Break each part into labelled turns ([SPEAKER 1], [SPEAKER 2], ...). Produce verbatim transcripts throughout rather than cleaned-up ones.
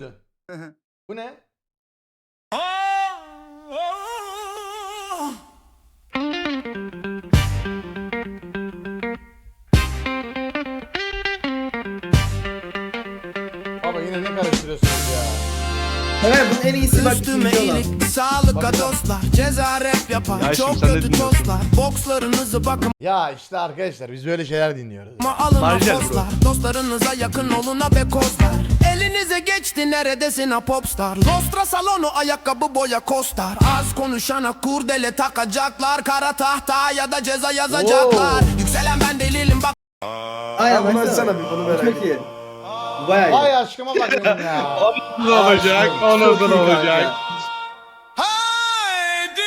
[SPEAKER 1] muydu? Bu ne? Baba yine ne karıştırıyorsunuz ya?
[SPEAKER 2] Evet bunun en iyisi bak
[SPEAKER 3] Üstüme
[SPEAKER 2] ikinci olan.
[SPEAKER 3] iyilik, sağlık dostlar. Ceza rap yapar,
[SPEAKER 4] Ya
[SPEAKER 3] çok
[SPEAKER 4] şimdi sen ne
[SPEAKER 3] kötü
[SPEAKER 4] dinliyorsun?
[SPEAKER 3] tostlar. Bokslarınızı bakıma
[SPEAKER 1] Ya işte arkadaşlar biz böyle şeyler dinliyoruz.
[SPEAKER 3] alın
[SPEAKER 4] Marjel bro.
[SPEAKER 3] postlar. Dostlarınıza yakın olun ha be kozlar. Elinize geçti neredesin ha popstar. Lostra salonu ayakkabı boya kostar. Az konuşana kurdele takacaklar. Kara tahta ya da ceza yazacaklar.
[SPEAKER 1] Oo.
[SPEAKER 3] Yükselen ben delilim bak.
[SPEAKER 2] Aynen
[SPEAKER 4] bunu
[SPEAKER 2] baksana.
[SPEAKER 4] açsana bir, bunu merak
[SPEAKER 2] Çok iyi. Bu bayağı iyi.
[SPEAKER 1] Vay aşkıma bak benim ya.
[SPEAKER 4] Ne olacak? Ondan
[SPEAKER 2] Çok iyi
[SPEAKER 4] sonra
[SPEAKER 2] kanka.
[SPEAKER 4] olacak.
[SPEAKER 3] Haydi.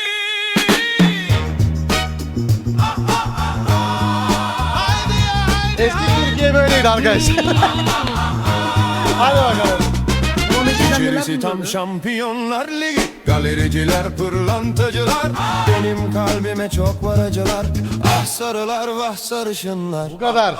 [SPEAKER 1] Eski Türkiye böyleydi arkadaşlar. Hadi bakalım.
[SPEAKER 2] Ama Metin'den neler
[SPEAKER 3] İçerisi tam
[SPEAKER 2] dinliyordu?
[SPEAKER 3] şampiyonlar ligi. Galericiler, pırlantacılar. Benim kalbime çok var acılar. Ah sarılar, vah sarışınlar.
[SPEAKER 1] Bu kadar.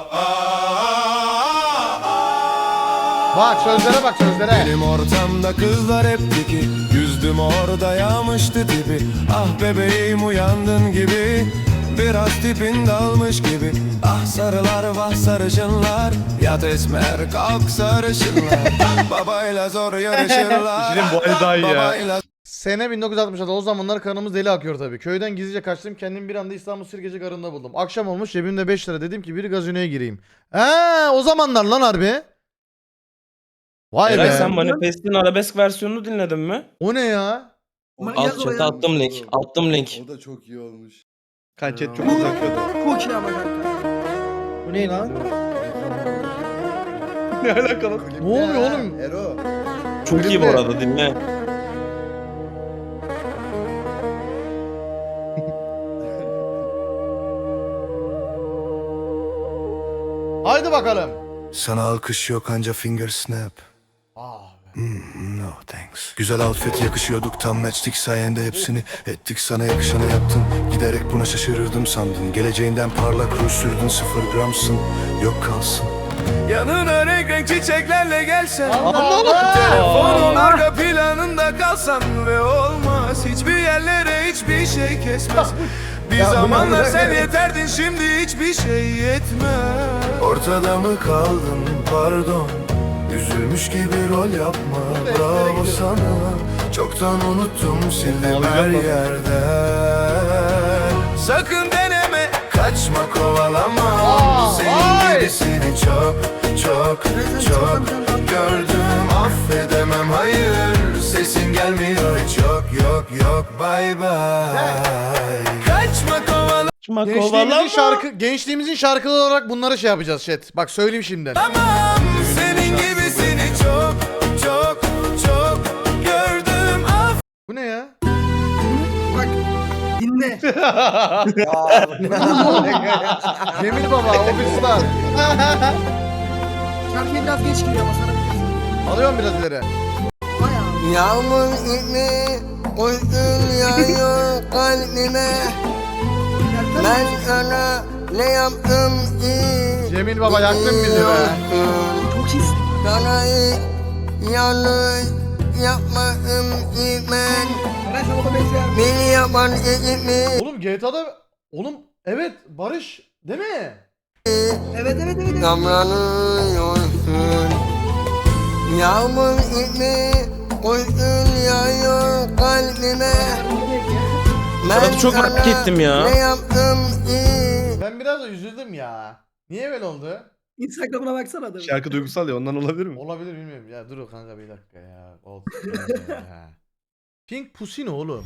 [SPEAKER 1] Bak sözlere bak sözlere.
[SPEAKER 3] Benim ortamda kızlar hep diki. Yüzdüm orada yağmıştı tipi. Ah bebeğim uyandın gibi. Biraz tipin dalmış gibi. Ah sarılar vah sarışınlar. Yat esmer kalk sarışınlar. Babayla zor yarışırlar.
[SPEAKER 4] İşin bu hali daha iyi ya.
[SPEAKER 3] Babayla
[SPEAKER 1] Sene bin dokuz yüz altmış altı. O zamanlar kanımız deli akıyor tabii. Köyden gizlice kaçtım. Kendimi bir anda İstanbul Sirkeci Garı'nda buldum. Akşam olmuş cebimde beş lira. Dedim ki bir gazinoya gireyim. Eee o zamanlar lan harbi. Vay
[SPEAKER 5] Eray
[SPEAKER 1] be.
[SPEAKER 5] sen Manifest'in arabesk versiyonunu dinledin mi?
[SPEAKER 1] O ne ya?
[SPEAKER 2] Ama
[SPEAKER 5] Alt
[SPEAKER 2] yaz oraya.
[SPEAKER 5] chat'e attım link. Attım link.
[SPEAKER 6] O da çok iyi olmuş.
[SPEAKER 4] Kan chat çok uzakıyordu.
[SPEAKER 2] Çok iyi ama kanka. Bu ne lan?
[SPEAKER 4] Ne alakalı?
[SPEAKER 6] Klip
[SPEAKER 1] Ne oluyor
[SPEAKER 6] ya,
[SPEAKER 1] oğlum?
[SPEAKER 6] Ero.
[SPEAKER 5] Çok iyi bu arada dinle.
[SPEAKER 1] Haydi bakalım.
[SPEAKER 3] Sana alkış yok anca finger snap.
[SPEAKER 1] Ah be.
[SPEAKER 3] No thanks. Güzel outfit yakışıyorduk tam matchtik sayende hepsini ettik sana yakışanı yaptın. Giderek buna şaşırırdım sandın. Geleceğinden parlak ruj sürdün sıfır gramsın. Yok kalsın. Yanına renk renk çiçeklerle gelsen. Telefonun arka planında kalsan ve olmaz. Hiçbir yerlere hiçbir şey kesmez. Bir zamanlar sen yeterdin şimdi hiçbir şey yetmez. Ortada mı kaldın pardon. Üzülmüş gibi rol yapma bravo sana. Çoktan unuttum sildim her yerden. Sakın deneme kaçma kovalama.
[SPEAKER 1] Aa,
[SPEAKER 3] Senin
[SPEAKER 1] vay!
[SPEAKER 3] gibisini çok çok çok gördüm. Affedemem hayır sesin gelmiyor hiç yok yok yok bye bye. Kaçma kovalama.
[SPEAKER 1] Gençliğimizin şarkı gençliğimizin şarkıları olarak bunları şey yapacağız chat. Bak söyleyeyim şimdiden.
[SPEAKER 3] Senin gibisini çok çok çok gördüm.
[SPEAKER 1] Bu ne ya?
[SPEAKER 2] Bak dinle.
[SPEAKER 1] Cemil Baba, Obistar.
[SPEAKER 2] Şarkıya biraz geç giriyor ama sana biliyorsun.
[SPEAKER 1] Alıyorum biraz ileri.
[SPEAKER 2] Bayağı.
[SPEAKER 3] Yağmur gibi uykun yağıyor kalbime. Ben sana ne yaptım ki?
[SPEAKER 1] Cemil Baba yaktın bizi be.
[SPEAKER 2] Çok iyisin.
[SPEAKER 3] Sana yanlış yapmadım ki ben.
[SPEAKER 2] Eray sen ona benziyor.
[SPEAKER 3] Beni yapan ekip
[SPEAKER 1] Oğlum G T A'da oğlum evet Barış değil mi?
[SPEAKER 2] Evet evet evet. evet.
[SPEAKER 3] damlanıyorsun. Yağmur gibi uykun yağıyor kalbime.
[SPEAKER 5] Fırat'ı çok merak ettim ya.
[SPEAKER 3] Ne yaptım ki?
[SPEAKER 1] Ben biraz da üzüldüm ya. Niye böyle oldu?
[SPEAKER 2] Instagram'ına baksana adamın.
[SPEAKER 4] Şarkı duygusal ya ondan olabilir mi?
[SPEAKER 1] Olabilir bilmiyorum. Ya dur kanka bir dakika ya. Oldu. ya. Pink Pussy ne oğlum?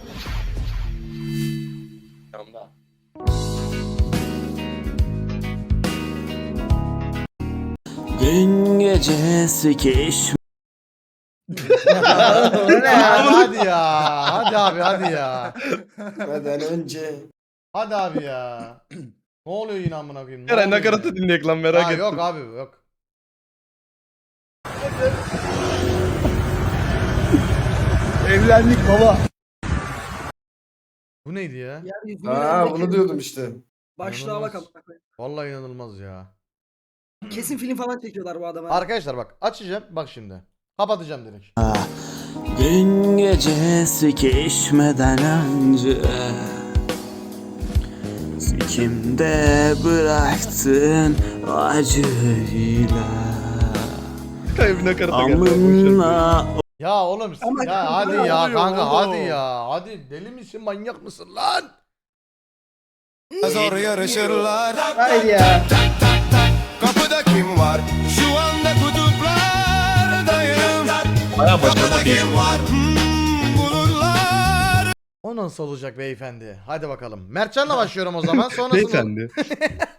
[SPEAKER 5] Gün gecesi keş.
[SPEAKER 1] hadi, hadi ya. Hadi abi hadi ya.
[SPEAKER 6] Neden önce?
[SPEAKER 1] Hadi abi ya. Ne oluyor yine amına koyayım? Ne
[SPEAKER 4] Eray
[SPEAKER 1] oluyor
[SPEAKER 4] nakaratı
[SPEAKER 1] yine?
[SPEAKER 4] dinleyek lan merak
[SPEAKER 1] Ha,
[SPEAKER 4] ettim.
[SPEAKER 1] yok abi yok.
[SPEAKER 4] Evlendik baba.
[SPEAKER 1] Bu neydi ya?
[SPEAKER 2] Yeryüzünde
[SPEAKER 6] Aa
[SPEAKER 2] ne
[SPEAKER 6] bunu
[SPEAKER 2] kelime?
[SPEAKER 6] diyordum işte.
[SPEAKER 2] Başlığa bak
[SPEAKER 1] İnanılmaz.
[SPEAKER 2] amına koyayım.
[SPEAKER 1] Vallahi inanılmaz ya.
[SPEAKER 2] Kesin film falan çekiyorlar bu adama.
[SPEAKER 1] Arkadaşlar bak açacağım bak şimdi. Kapatacağım direkt.
[SPEAKER 5] Dün gece sikişmeden önce sikimde bıraktın acıyla
[SPEAKER 4] Kaybına karata geldi.
[SPEAKER 5] amına.
[SPEAKER 1] Ya oğlum
[SPEAKER 2] Ama
[SPEAKER 1] ya
[SPEAKER 2] kanka,
[SPEAKER 1] hadi
[SPEAKER 2] ne
[SPEAKER 1] ya
[SPEAKER 4] oluyor
[SPEAKER 1] kanka
[SPEAKER 4] oğlum?
[SPEAKER 1] hadi ya. Hadi deli misin manyak mısın lan?
[SPEAKER 3] Zor yarışırlar.
[SPEAKER 2] Hayır ya.
[SPEAKER 3] Kapıda kim var? Şu anda kutuplardayım.
[SPEAKER 5] Baya başarılı bir
[SPEAKER 3] Kim var? Hmm, bulurlar.
[SPEAKER 1] O nasıl olacak beyefendi? Hadi bakalım. Mertcan'la başlıyorum o zaman. Sonrasında
[SPEAKER 4] Beyefendi.